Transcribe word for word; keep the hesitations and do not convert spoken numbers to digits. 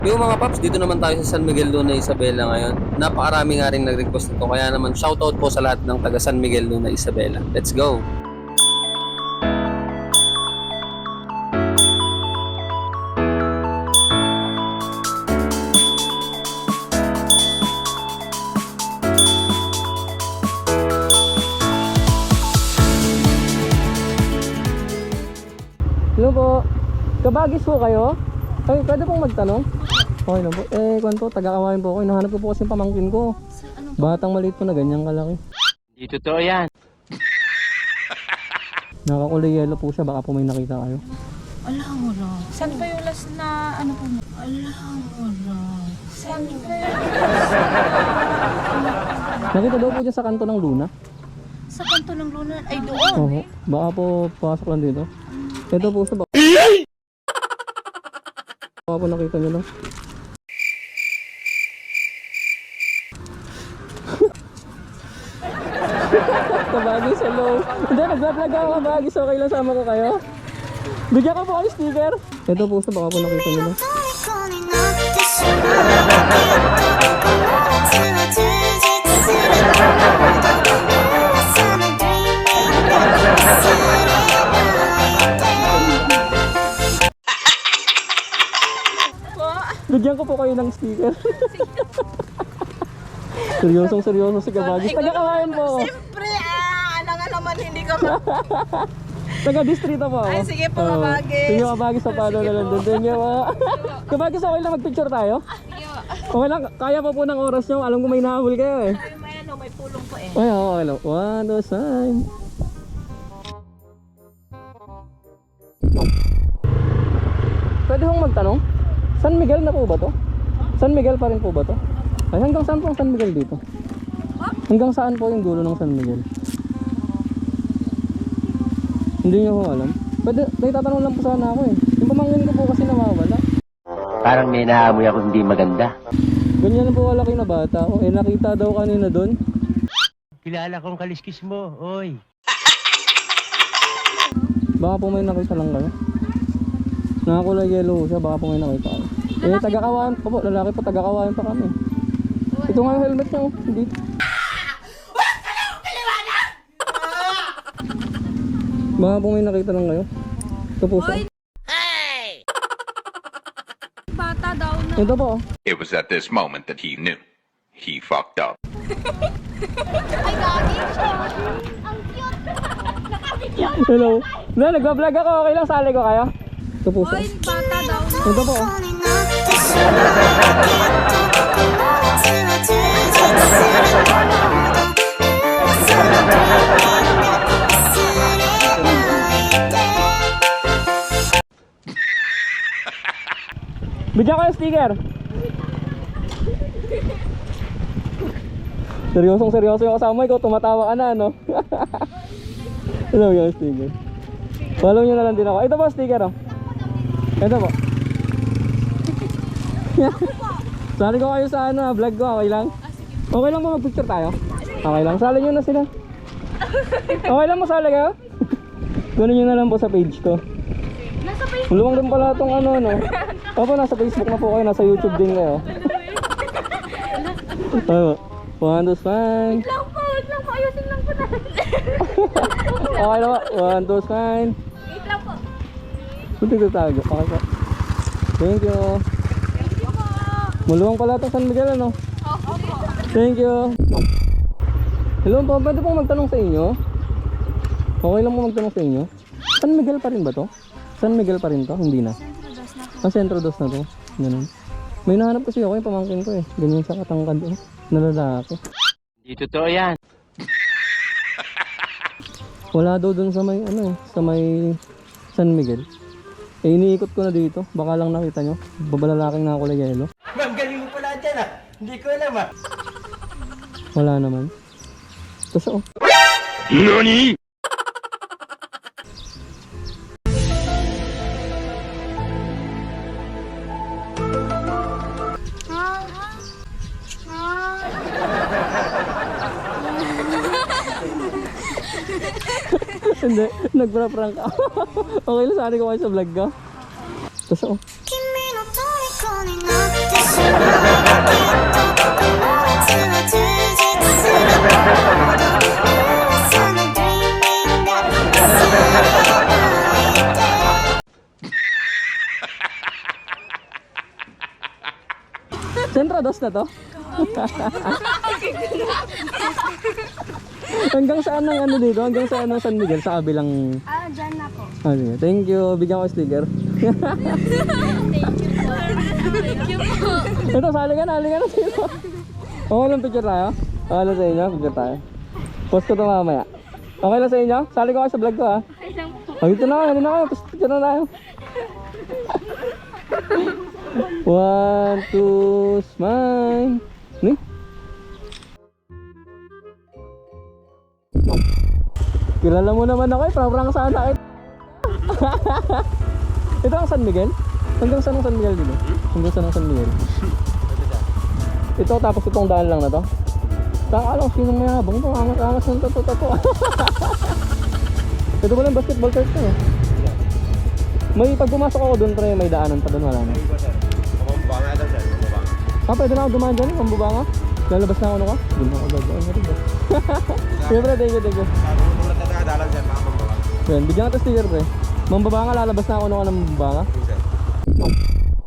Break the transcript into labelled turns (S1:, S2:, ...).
S1: Yung mga paps, dito naman tayo sa San Miguel Luna Isabela ngayon. Napakarami nga rin nag-request nito. Kaya naman shoutout po sa lahat ng taga San Miguel Luna Isabela. Let's go!
S2: Hello po. Kabagis po kayo? Ay, pwede pong magtanong? Okay lang po. Eh, kwan po, taga-kawain po ako. Hinahanap ko po kasi yung pamangkin ko. Batang maliit po na ganyan kalaki.
S3: Hindi totoo yan.
S2: Nakakulay yellow po siya. Baka po may nakita kayo.
S4: Ala, wala. Saan pa yung last na ano po mo? Ala, wala. Saan pa yung
S2: Nakita daw po dyan sa kanto ng Luna.
S4: Sa kanto ng Luna? Ay, doon.
S2: Oo. Baka po pasok lang dito. Ito po sa baka. Baka po nakita nyo lang. Kabagis, hello. Hindi, nag-vlog ako kabagis. Okay lang, sama ko kayo. Bigyan ko po kayo sticker. Ito po sa baka po nakita nyo lang. Bigyan ko po kayo ng sticker. Seryosong seryoso si Kabagis. Taga-kawayan po ako.
S4: Siyempre, ah, ano nga naman hindi ka ma...
S2: Taga-distrito po ako.
S4: Ay, sige po,
S2: Oo.
S4: Kabagis.
S2: Sige, Kabagis, sa palo na lang doon. Thank you, ma. Kabagis, okay lang mag-picture tayo? Okay lang, kaya pa po ng oras nyo. Alam ko may nahabol kayo eh.
S4: Ay, may ano, may pulong po eh.
S2: Ay, okay lang. One, two, sign. Pwede hong magtanong? San Miguel na po ba to? San Miguel pa rin po ba to? Ay, hanggang saan po ang San Miguel dito? Hanggang saan po yung dulo ng San Miguel? Hindi nyo ko alam. Pwede, nagtatanong lang po sana ako eh. Yung pamangkin ko po kasi nawawala.
S3: Parang may naamoy ako hindi maganda.
S2: Ganyan na po kalaki na bata. O, eh, nakita daw kanina doon.
S3: Kilala kong kaliskis mo, oy.
S2: Baka po may nakita lang kayo. Nakakulay yellow siya, baka po may nakita kayo. Eh, taga-kawayan pa po. Lalaki po, taga-kawayan pa kami. Ito nga yung helmet niya, oh. Hindi. Baka po may nakita lang kayo. Ito po siya.
S4: Bata daw na.
S2: Ito po, oh.
S5: It was at this moment that he knew. He fucked up.
S4: Ay, gagi siya. Ang cute. Nakabigyan.
S2: Hello. Na, nagbablog ako. Okay lang, sali ko kayo. Ito po siya.
S4: Ay, bata daw na.
S2: Ito po, oh. Bigyan ko yung sticker. Seryosong seryoso yung kasama. Ikaw tumatawa ka na, no? Ito yung sticker. Follow nyo na lang din ako. Ito po sticker, oh. Ito po. Sali ko kayo sa ano, vlog ko. Okay lang? Okay lang ba mag-picture tayo? Okay lang. Sali nyo na sila. Okay lang masali kayo? Kunin nyo na lang po sa page ko.
S4: Nasa Facebook.
S2: Luwang din pala itong ano, no? Opo, nasa Facebook na po kayo. Nasa YouTube din kayo. Ano? One, two, fine.
S4: Wait lang po, wait lang po. Ayusin lang po natin.
S2: Okay na po. One, two, fine.
S4: Wait lang po.
S2: Buti ko tago. Okay po. Thank you.
S4: Thank you po.
S2: Maluwang pala itong San Miguel, ano?
S4: Opo.
S2: Thank you. Hello po, pwede pong magtanong sa inyo? Okay lang po magtanong sa inyo? San Miguel pa rin ba to? San Miguel pa rin to? Hindi na. Ang Centro Dos na to. Ganun. May nahanap kasi ako yung pamangkin ko eh. Ganyan sa katangkad eh. Nalalaki.
S3: Hindi totoo yan.
S2: Wala daw dun sa may ano eh. Sa may San Miguel. Eh iniikot ko na dito. Baka lang nakita nyo. Babalalaking nakakulay yelo.
S3: Ma'am, galing mo pala dyan ah. Hindi ko alam ah.
S2: Wala naman. Ito siya oh.
S5: NANI?!
S2: Hindi, nagpra-prank ako. Okay lang, sari ko kayo sa vlog ko. Ito siya oh. Sentro dos na to? Hanggang saan ang ano dito? Hanggang saan ang San Miguel? Sa kabilang...
S4: Ah, dyan na po.
S2: Ah, sige. Thank you. Bigyan ko sticker.
S4: Thank you po. Thank you po.
S2: Ito, sali ka na. Hali ka na dito. Okay lang picture tayo? Okay lang sa inyo? Picture tayo. Post ko ito mamaya. Okay lang sa inyo? Sali ko kayo sa vlog ko ha. Oh, dito na kayo. Hali na kayo. Post picture na tayo. One, two, smile. Ni? Kilala mo naman ako eh. Parang saan na kita. Ito ang San Miguel? Hanggang saan ang San Miguel dito? Hanggang saan ang San Miguel? Ito tapos itong daan lang na to? Saka alam sinong mayabang ito. Angas-angas ng tato-tato. Ito pala yung basketball court to eh. May pag pumasok ako doon pre, may daanan pa doon, wala na.
S6: Pambubanga daw dyan, pambubanga.
S2: Ah, pwede na ako dumaan dyan, pambubanga. Lalabas na ako ano ka? Doon na ako gagawin na rin ba? Siyempre, thank you, thank you.
S6: Kung tulad na nakadalang dyan, mga pambubanga.
S2: Yan, bigyan ka ito sticker pre. Mambabanga, lalabas na ako ano ka ng mambabanga.
S6: Sir.